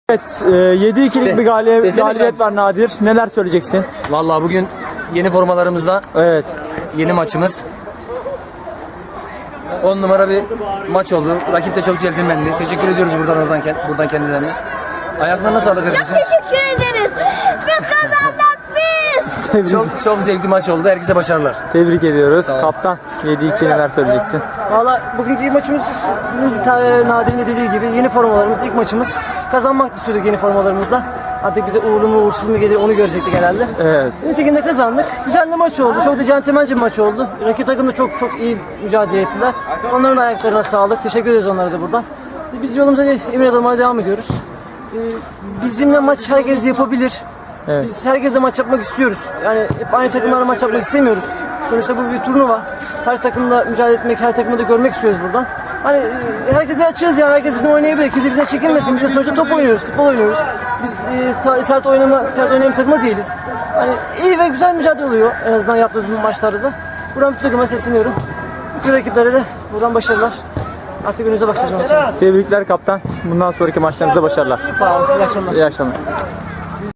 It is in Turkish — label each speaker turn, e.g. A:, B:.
A: Evet, 7-2'lik bir galibiyet var Nadir. Neler söyleyeceksin?
B: Vallahi bugün yeni formalarımızla
A: Evet.
B: yeni maçımız. 10 numara bir maç oldu. Rakip de çok centilmendi. Teşekkür ediyoruz buradan kendilerine. Ayaklarına sağlık
C: Çok
B: herkesin.
C: teşekkür ederiz. Biz kazandık biz.
B: Çok zevkli maç oldu. Herkese başarılar.
A: Tebrik ediyoruz. Kaptan 7-2 neler söyleyeceksin?
D: Valla bugünkü maçımız Nadir'in de dediği gibi yeni formalarımız, ilk maçımız. Kazanmak istiyorduk yeni formalarımızla. Artık bize uğurlu mu uğursuz mu gelir onu görecektik herhalde.
A: Evet.
D: Nitekim de kazandık. Güzel bir maç oldu. Çok da centilmence bir maç oldu. Rakip takım da çok iyi mücadele ettiler. Onların ayaklarına sağlık. Teşekkür ederiz onlara da buradan. Biz yolumuza emin adımlarla devam ediyoruz. Bizimle maç herkes yapabilir.
A: Evet.
D: Biz herkesle maç yapmak istiyoruz. Yani hep aynı takımlarla maç yapmak istemiyoruz. Sonuçta bu bir turnuva. Her takımda mücadele etmek, her takımda da görmek istiyoruz buradan. Hani herkese açığız yani, herkes bizim oynayabilir. Kimse bizden çekinmesin. Biz de sonuçta top oynuyoruz, futbol oynuyoruz. Biz sert oynayan bir takımda değiliz. Hani iyi ve güzel mücadele oluyor en azından yaptığımız bu maçlarda da. Buradan bir takıma sesleniyorum. Bütün rakiplere de buradan başarılar. Artık önümüze bakacağız.
A: Tebrikler kaptan. Bundan sonraki maçlarınızda başarılar.
D: Sağ olun. İyi akşamlar.
A: İyi akşamlar.